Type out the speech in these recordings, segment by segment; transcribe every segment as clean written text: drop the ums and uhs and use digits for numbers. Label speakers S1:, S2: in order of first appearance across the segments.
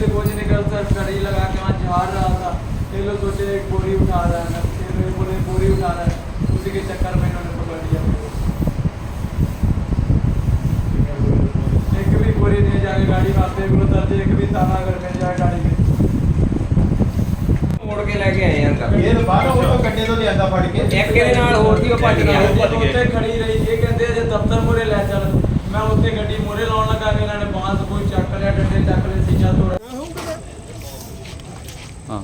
S1: से कुछ निकल कर घड़ी लगा के वहाँ झाड़ रहा था। ये लोग सोचे एक बोरी उठा रहा है, फिर मेरे बोले बोरी उठा रहा है, उसी के चक्कर में इन्होंने पकड़ लिया। एक भी बोरी नहीं जाके गाड़ी मारते बोलते, एक भी ताला अगर मिल जाए गाड़ी के
S2: मोड़ के लेके आए अंदर।
S3: ये तो बाहर वो गड्ढे तो लियांदा फड़ के
S2: एक के नाल होर सी भज गया।
S1: ਉੱਤੇ ਖੜੀ ਰਹੀ। ਇਹ ਕਹਿੰਦੇ ਜੇ ਦਫ਼ਤਰ ਮੂਹਰੇ ਲੈ ਚੱਲ। ਮੈਂ ਉੱਤੇ ਗੱਡੀ ਮੂਹਰੇ ਲਾਉਣ ਲੱਗਾ ਕਿ ਇਹਨਾਂ ਨੇ ਬਾਂਸ ਕੋਈ ਚੱਕ ਲਿਆ, ਡੰਡੇ ਚੱਕ ਲਏ, ਸੀਸਾ ਤੋੜਿਆ।
S4: ਹਾਂ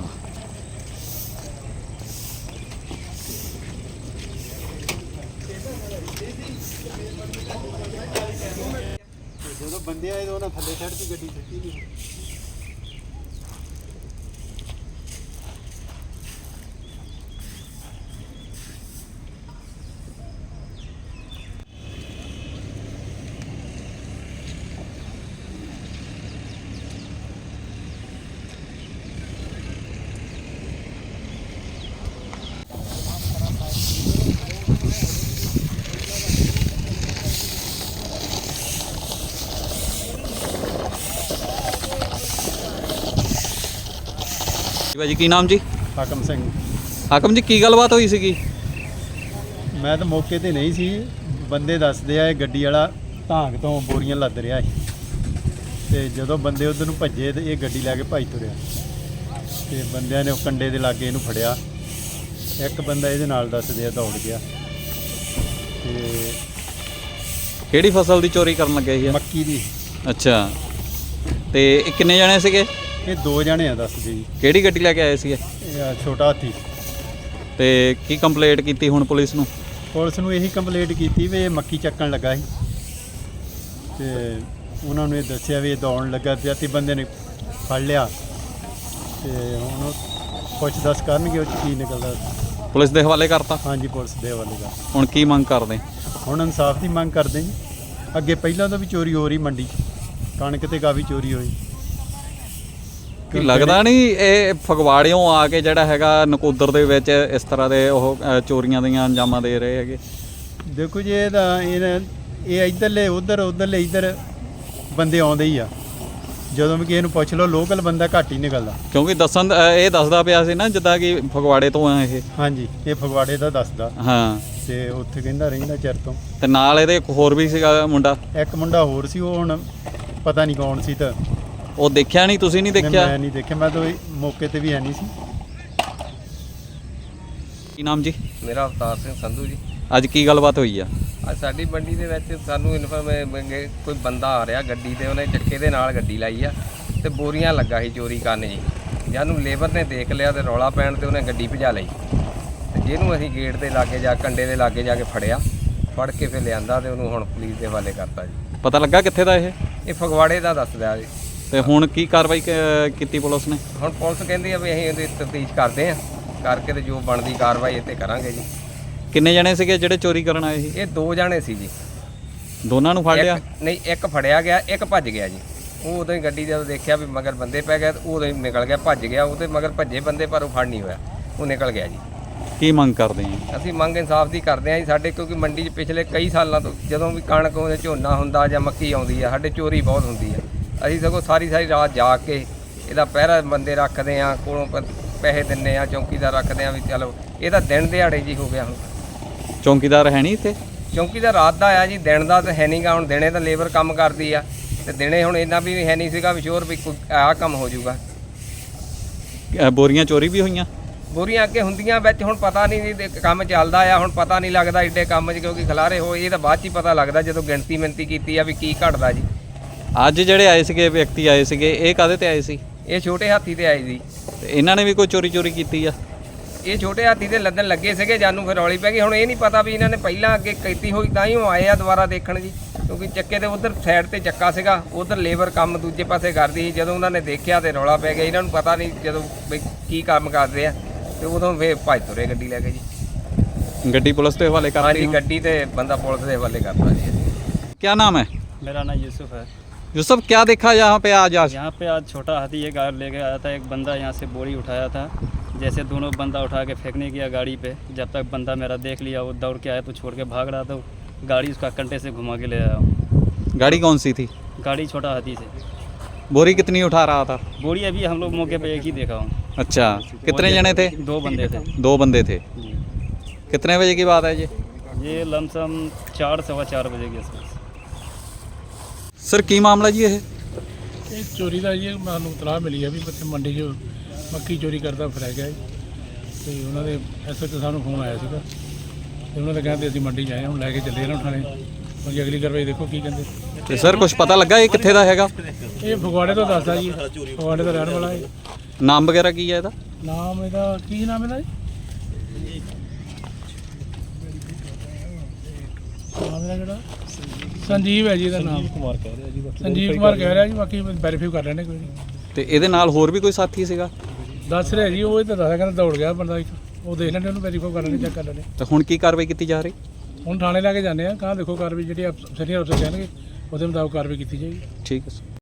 S3: ਜਦੋਂ ਬੰਦੇ ਆਏ ਤਾਂ ਉਹਨਾਂ ਥੱਲੇ ਛੱਡਤੀ ਗੱਡੀ, ਛੱਡੀ ਨਹੀਂ।
S4: ਭਾਜੀ ਕੀ ਨਾਮ ਜੀ?
S3: ਹਾਕਮ ਸਿੰਘ।
S4: ਹਾਕਮ ਜੀ ਕੀ ਗੱਲਬਾਤ ਹੋਈ ਸੀਗੀ?
S3: ਮੈਂ ਤਾਂ ਮੌਕੇ ਤੇ ਨਹੀਂ ਸੀ। ਬੰਦੇ ਦੱਸਦੇ ਆ ਇਹ ਗੱਡੀ ਵਾਲਾ ਢਾਂਗ ਤੋਂ ਬੋਰੀਆਂ ਲੱਦ ਰਿਹਾ ਸੀ ਤੇ ਜਦੋਂ ਬੰਦੇ ਉਧਰ ਨੂੰ ਭੱਜੇ ਤੇ ਇਹ ਗੱਡੀ ਲੈ ਕੇ ਭੱਜ ਤੁਰਿਆ ਤੇ ਬੰਦਿਆਂ ਨੇ ਉਹ ਕੰਡੇ ਦੇ ਲਾਗੇ ਇਹਨੂੰ ਫੜਿਆ। ਇੱਕ ਬੰਦਾ ਇਹਦੇ ਨਾਲ ਦੱਸਦੇ ਆ ਦੌੜ ਗਿਆ ਤੇ
S4: ਕਿਹੜੀ ਫਸਲ ਦੀ ਚੋਰੀ ਕਰਨ ਲੱਗੇ ਸੀ ਇਹ?
S3: ਮੱਕੀ ਦੀ।
S4: ਅੱਛਾ ਤੇ ਇਹ ਕਿੰਨੇ ਜਣੇ ਸੀਗੇ?
S3: ਇਹ 2 ਜਣੇ ਆ ਦੱਸਦੇ ਜੀ।
S4: ਕਿਹੜੀ ਗੱਡੀ ਲੈ ਕੇ ਆਏ ਸੀਗੇ?
S3: ਇਹ ਆ ਛੋਟਾ ਹਾਥੀ।
S4: ਤੇ ਕੀ ਕੰਪਲੇਂਟ ਕੀਤੀ ਹੁਣ ਪੁਲਿਸ ਨੂੰ?
S3: ਪੁਲਿਸ ਨੂੰ ਇਹੀ ਕੰਪਲੇਂਟ ਕੀਤੀ ਵੀ ਇਹ ਮੱਕੀ ਚੱਕਣ ਲੱਗਾ ਸੀ ਤੇ ਉਹਨਾਂ ਨੂੰ ਇਹ ਦੱਸਿਆ ਵੀ ਇਹ ਦੌੜਨ ਲੱਗਾ ਪਿਆ ਤੇ ਬੰਦੇ ਨੇ ਫੜ ਲਿਆ ਤੇ ਹੁਣ ਪੁੱਛ ਦੱਸ ਕਰਨਗੇ ਉਹ 'ਚ ਕੀ ਨਿਕਲਦਾ।
S4: ਪੁਲਿਸ ਦੇ ਹਵਾਲੇ ਕਰਤਾ?
S3: ਹਾਂਜੀ ਪੁਲਿਸ ਦੇ ਹਵਾਲੇ ਦਾ।
S4: ਹੁਣ ਕੀ ਮੰਗ ਕਰਦੇ?
S3: ਹੁਣ ਇਨਸਾਫ ਦੀ ਮੰਗ ਕਰਦੇ ਜੀ। ਅੱਗੇ ਪਹਿਲਾਂ ਤਾਂ ਵੀ ਚੋਰੀ ਹੋ ਰਹੀ ਮੰਡੀ 'ਚ, ਕਣਕ ਤੇ ਕਾਫੀ ਚੋਰੀ ਹੋਈ।
S4: ਕੀ ਲੱਗਦਾ ਨਹੀਂ ਇਹ ਫਗਵਾੜਿਓਂ ਆ ਕੇ ਜਿਹੜਾ ਹੈਗਾ ਨਕੋਦਰ ਦੇ ਵਿੱਚ ਇਸ ਤਰ੍ਹਾਂ ਦੇ ਉਹ ਚੋਰੀਆਂ ਦੀਆਂ ਅੰਜਾਮਾਂ ਦੇ ਰਹੇ ਹੈਗੇ?
S3: ਦੇਖੋ ਜੀ ਇਹ ਇੱਧਰਲੇ ਉਧਰਲੇ ਇੱਧਰ ਬੰਦੇ ਆਉਂਦੇ ਹੀ ਆ। ਜਦੋਂ ਵੀ ਕਿਸੇ ਨੂੰ ਪੁੱਛ ਲਓ ਲੋਕਲ ਬੰਦਾ ਘੱਟ ਹੀ ਨਿਕਲਦਾ।
S4: ਕਿਉਂਕਿ ਇਹ ਦੱਸਦਾ ਪਿਆ ਸੀ ਨਾ ਜਿੱਦਾਂ ਕਿ ਫਗਵਾੜੇ ਤੋਂ ਆ ਇਹ।
S3: ਹਾਂਜੀ ਇਹ ਫਗਵਾੜੇ ਦਾ ਦੱਸਦਾ।
S4: ਹਾਂ
S3: ਤੇ ਉੱਥੇ ਕਹਿੰਦਾ ਰਹਿੰਦਾ ਚਿਰ ਤੋਂ।
S4: ਤੇ ਨਾਲ ਇਹਦੇ ਇੱਕ ਹੋਰ ਵੀ ਸੀਗਾ ਮੁੰਡਾ?
S3: ਇੱਕ ਮੁੰਡਾ ਹੋਰ ਸੀ, ਉਹ ਹੁਣ ਪਤਾ ਨਹੀਂ ਕੌਣ ਸੀ। ਤਾਂ
S4: ਉਹ ਦੇਖਿਆ ਨਹੀਂ? ਤੁਸੀਂ ਨਹੀਂ ਦੇਖਿਆ?
S3: ਮੈਂ ਨਹੀਂ ਦੇਖਿਆ, ਮੈਂ ਤਾਂ ਮੌਕੇ ਤੇ ਵੀ ਹੈ ਨਹੀਂ ਸੀ।
S4: ਕੀ ਨਾਮ ਜੀ?
S2: ਮੇਰਾ ਅਵਤਾਰ ਸਿੰਘ ਸੰਧੂ ਜੀ।
S4: ਅੱਜ ਕੀ ਗੱਲਬਾਤ ਹੋਈ ਆ?
S2: ਅੱਜ ਸਾਡੀ ਮੰਡੀ ਦੇ ਵਿੱਚ ਸਾਨੂੰ ਕੋਈ ਬੰਦਾ ਆ ਰਿਹਾ ਗੱਡੀ ਤੇ, ਉਹਨੇ ਚੱਕੇ ਦੇ ਨਾਲ ਗੱਡੀ ਲਾਈ ਆ ਤੇ ਬੋਰੀਆਂ ਲੱਗਾ ਸੀ ਚੋਰੀ ਕਰਨ ਜੀ। ਜਾਨੂੰ ਲੇਬਰ ਨੇ ਦੇਖ ਲਿਆ ਤੇ ਰੌਲਾ ਪੈਣ ਤੇ ਉਹਨੇ ਗੱਡੀ ਭਜਾ ਲਈ ਤੇ ਜਿਹਨੂੰ ਅਸੀਂ ਗੇਟ ਦੇ ਲਾਗੇ ਜਾ ਕੰਡੇ ਦੇ ਲਾਗੇ ਜਾ ਕੇ ਫੜਿਆ, ਫੜ ਕੇ ਫਿਰ ਲਿਆਂਦਾ ਤੇ ਉਹਨੂੰ ਹੁਣ ਪੁਲਿਸ ਦੇ ਹਵਾਲੇ ਕਰਤਾ ਜੀ।
S4: ਪਤਾ ਲੱਗਾ ਕਿੱਥੇ ਦਾ ਇਹ?
S2: ਇਹ ਫਗਵਾੜੇ ਦਾ ਦੱਸਦਾ ਜੀ।
S4: ਤੇ ਹੁਣ ਕੀ ਕਾਰਵਾਈ ਕੀਤੀ ਪੁਲਿਸ ਨੇ?
S2: ਹੁਣ ਪੁਲਿਸ ਕਹਿੰਦੀ ਆ ਵੀ ਅਸੀਂ ਇਹਦੀ ਤਫਤੀਸ਼ ਕਰਦੇ ਆ, ਕਰਕੇ ਤੇ ਜੋ ਬਣਦੀ ਕਾਰਵਾਈ ਇੱਥੇ ਕਰਾਂਗੇ ਜੀ।
S4: ਕਿੰਨੇ ਜਣੇ ਸੀਗੇ ਜਿਹੜੇ ਚੋਰੀ ਕਰਨ ਆਏ ਸੀ?
S2: ਇਹ 2 ਜਣੇ ਸੀ ਜੀ।
S4: ਦੋਨਾਂ ਨੂੰ ਫੜ ਲਿਆ?
S2: ਨਹੀਂ, ਇੱਕ ਫੜਿਆ ਗਿਆ, ਇੱਕ ਭੱਜ ਗਿਆ ਜੀ। ਉਹ ਉਦੋਂ ਹੀ ਗੱਡੀ ਜਦੋਂ ਦੇਖਿਆ ਵੀ ਮਗਰ ਬੰਦੇ ਪੈ ਗਏ ਉਦੋਂ ਹੀ ਨਿਕਲ ਗਿਆ, ਭੱਜ ਗਿਆ। ਉਹਦੇ ਮਗਰ ਭੱਜੇ ਬੰਦੇ ਪਰ ਉਹ ਫੜ ਨਹੀਂ ਹੋਇਆ, ਉਹ ਨਿਕਲ ਗਿਆ ਜੀ।
S4: ਕੀ ਮੰਗ ਕਰਦੇ ਆ?
S2: ਅਸੀਂ ਮੰਗ ਇਨਸਾਫ ਦੀ ਕਰਦੇ ਹਾਂ ਜੀ। ਸਾਡੇ ਕਿਉਂਕਿ ਮੰਡੀ 'ਚ ਪਿਛਲੇ ਕਈ ਸਾਲਾਂ ਤੋਂ ਜਦੋਂ ਵੀ ਕਣਕ ਉਹਦੇ ਝੋਨਾ ਹੁੰਦਾ ਜਾਂ ਮੱਕੀ ਆਉਂਦੀ ਆ, ਸਾਡੇ ਚੋਰੀ ਬਹੁਤ ਹੁੰਦੀ ਆ। ਅਸੀਂ ਸਗੋਂ ਸਾਰੀ ਰਾਤ ਜਾ ਕੇ ਇਹਦਾ ਪਹਿਰਾ ਬੰਦੇ ਰੱਖਦੇ ਆ, ਕੋਲੋਂ ਪੈਸੇ ਦਿੰਦੇ ਆ, ਚੌਕੀਦਾਰ ਰੱਖਦੇ ਆ ਵੀ ਚਲੋ ਇਹਦਾ ਦਿਨ ਦਿਹਾੜੇ ਜੀ ਹੋ ਗਿਆ। ਹੁਣ
S4: ਚੌਂਕੀਦਾਰ ਹੈ ਨਹੀਂ ਇੱਥੇ?
S2: ਚੌਕੀਦਾਰ ਰਾਤ ਦਾ ਆ ਜੀ, ਦਿਨ ਦਾ ਤਾਂ ਹੈ ਨਹੀਂਗਾ। ਹੁਣ ਦਿਨੇ ਤਾਂ ਲੇਬਰ ਕੰਮ ਕਰਦੀ ਆ ਤੇ ਦਿਨੇ ਹੁਣ ਇੰਨਾ ਵੀ ਹੈ ਨਹੀਂ ਸੀਗਾ ਵੀ ਸ਼ੋਰ ਵੀ ਕੋਈ ਆਹ ਕੰਮ ਹੋ ਜਾਊਗਾ।
S4: ਬੋਰੀਆਂ ਚੋਰੀ ਵੀ ਹੋਈਆਂ?
S2: ਬੋਰੀਆਂ ਅੱਗੇ ਹੁੰਦੀਆਂ ਵਿੱਚ, ਹੁਣ ਪਤਾ ਨਹੀਂ ਜੀ ਕੰਮ ਚੱਲਦਾ ਆ। ਹੁਣ ਪਤਾ ਨਹੀਂ ਲੱਗਦਾ ਏਡੇ ਕੰਮ 'ਚ ਕਿਉਂਕਿ ਖਿਲਾਰੇ ਹੋਏ। ਇਹ ਤਾਂ ਬਾਅਦ 'ਚ ਹੀ ਪਤਾ ਲੱਗਦਾ ਜਦੋਂ ਗਿਣਤੀ ਕੀਤੀ ਆ ਵੀ ਕੀ ਘਟਦਾ ਜੀ।
S4: ਅੱਜ ਜਿਹੜੇ ਆਏ ਸੀਗੇ ਵਿਅਕਤੀ ਆਏ ਸੀਗੇ, ਇਹ ਕਾਹਦੇ ਤੇ ਆਏ ਸੀ?
S2: ਇਹ ਛੋਟੇ ਹਾਥੀ ਤੇ ਆਏ ਜੀ।
S4: ਤੇ ਇਹਨਾਂ ਨੇ ਵੀ ਕੋਈ ਚੋਰੀ ਕੀਤੀ ਆ?
S2: ਇਹ ਛੋਟੇ ਹਾਥੀ ਦੇ ਲੱਦਣ ਲੱਗੇ ਸੀਗੇ, ਜਾਨੂੰ ਫਿਰ ਰੌਲੀ ਪੈ ਗਈ। ਹੁਣ ਇਹ ਨਹੀਂ ਪਤਾ ਵੀ ਇਹਨਾਂ ਨੇ ਪਹਿਲਾਂ ਅੱਗੇ ਕੀਤੀ ਹੋਈ ਤਾਂ ਹੀ ਉਹ ਆਏ ਆ ਦੁਬਾਰਾ ਦੇਖਣ ਜੀ। ਕਿਉਂਕਿ ਚੱਕੇ ਦੇ ਉਧਰ ਸਾਈਡ ਤੇ ਚੱਕਾ ਸੀਗਾ, ਉਧਰ ਲੇਬਰ ਕੰਮ ਦੂਜੇ ਪਾਸੇ ਕਰਦੀ ਸੀ। ਜਦੋਂ ਉਹਨਾਂ ਨੇ ਦੇਖਿਆ ਤੇ ਰੌਲਾ ਪੈ ਗਿਆ। ਇਹਨਾਂ ਨੂੰ ਪਤਾ ਨਹੀਂ ਜਦੋਂ ਵੀ ਕੀ ਕੰਮ ਕਰਦੇ ਆ ਤੇ ਉਦੋਂ ਫੇਰ ਭੱਜ ਤੁਰੇ ਗੱਡੀ ਲੈ ਕੇ ਜੀ।
S4: ਗੱਡੀ ਪੁਲਿਸ ਦੇ ਹਵਾਲੇ ਕਰਤੀ?
S2: ਹਾਂਜੀ ਗੱਡੀ ਤੇ ਬੰਦਾ ਪੁਲਿਸ ਦੇ ਹਵਾਲੇ ਕਰਤਾ ਜੀ।
S4: क्या नाम है?
S5: मेरा नाम यूसुफ है।
S4: यूसुफ, क्या देखा यहाँ पे आज?
S5: यहाँ पे आज छोटा हाथी ये गाड़ी लेके आया था। एक बंदा यहाँ से बोरी उठाया था, जैसे दोनों बंदा उठा के फेंकने गया गाड़ी पे। जब तक बंदा मेरा देख लिया, वो दौड़ के आया तो छोड़ के भाग रहा था। गाड़ी उसका कंटे से घुमा के ले आया।
S4: गाड़ी कौन सी थी?
S5: गाड़ी छोटा हाथी से।
S4: बोरी कितनी उठा रहा था?
S5: बोरी अभी हम लोग मौके पे एक ही देखा हूँ।
S4: अच्छा, कितने जने थे?
S5: 2 बंदे थे।
S4: 2 बंदे थे।
S5: जी।
S4: कितने बजे की बात है
S5: ये लमसम 4 सवा 4 बजे के आसपास।
S4: सर की मामला जी ये?
S6: ਇਹ ਚੋਰੀ ਦਾ ਜੀ ਸਾਨੂੰ ਇਤਲਾਹ ਮਿਲੀ ਹੈ ਵੀ ਬੱਚੇ ਮੰਡੀ 'ਚ ਮੱਕੀ ਚੋਰੀ ਕਰਦਾ ਫੜਿਆ ਗਿਆ ਜੀ ਤੇ ਉਹਨਾਂ ਦੇ ਐਸਐਚ ਸਾਨੂੰ ਫੋਨ ਆਇਆ ਸੀਗਾ ਤੇ ਉਹਨਾਂ ਨੇ ਕਹਿੰਦੇ ਅਸੀਂ ਮੰਡੀ 'ਚ ਆਏ ਹਾਂ, ਹੁਣ ਲੈ ਕੇ ਚੱਲੇ ਇਹਨਾਂ ਨੂੰ ਥਾਣੇ। ਬਾਕੀ ਅਗਲੀ ਕਾਰਵਾਈ ਦੇਖੋ ਕੀ ਕਹਿੰਦੇ।
S4: ਤੇ ਸਰ ਕੁਝ ਪਤਾ ਲੱਗਾ ਇਹ ਕਿੱਥੇ ਦਾ ਹੈਗਾ?
S6: ਇਹ ਫਗਵਾੜੇ ਤੋਂ ਦੱਸਦਾ ਜੀ, ਫਗਵਾੜੇ ਦਾ ਰਹਿਣ ਵਾਲਾ ਹੈ।
S4: ਨਾਮ ਵਗੈਰਾ ਕੀ ਹੈ ਇਹਦਾ?
S6: ਨਾਮ ਇਹਦਾ ਕੀ ਨਾਮ ਇਹਦਾ ਜੀ? ਨਾਮ ਇਹਦਾ ਜਿਹੜਾ ਸੰਜੀਵ ਹੈ ਜੀ ਇਹਦਾ ਨਾਮ। ਸੰਜੀਵ ਕੁਮਾਰ ਕਹਿ ਰਿਹਾ ਜੀ, ਬਾਕੀ ਵੈਰੀਫਾਈ ਕਰ ਲੈਣੇ ਕੋਈ ਨਹੀਂ।
S4: ਤੇ ਇਹਦੇ ਨਾਲ ਹੋਰ ਵੀ ਕੋਈ ਸਾਥੀ ਸੀਗਾ?
S6: ਦੱਸ ਰਿਹਾ ਜੀ, ਉਹ ਇਹ ਤਾਂ ਦੱਸਦਾ ਕਹਿੰਦਾ ਦੌੜ ਗਿਆ ਬੰਦਾ ਇੱਕ, ਉਹ ਦੇਖ ਲੈਣੇ, ਉਹਨੂੰ ਵੈਰੀਫਾਈ ਕਰ ਲੈਣੇ, ਚੈੱਕ ਕਰ ਲੈਣੇ।
S4: ਤੇ ਹੁਣ ਕੀ ਕਾਰਵਾਈ ਕੀਤੀ ਜਾ ਰਹੀ?
S6: ਹੁਣ ਥਾਣੇ ਲੈ ਕੇ ਜਾਂਦੇ ਆ, ਕਹਾਂ ਦੇਖੋ ਕਾਰਵਾਈ ਜਿਹੜੀ ਸੀਨੀਅਰ ਅਫਸਰ ਕਹਿਣਗੇ ਉਹਦੇ ਮੁਤਾਬਕ ਕਾਰਵਾਈ ਕੀਤੀ ਜਾਏਗੀ।
S4: ਠੀਕ ਹੈ ਸਰ।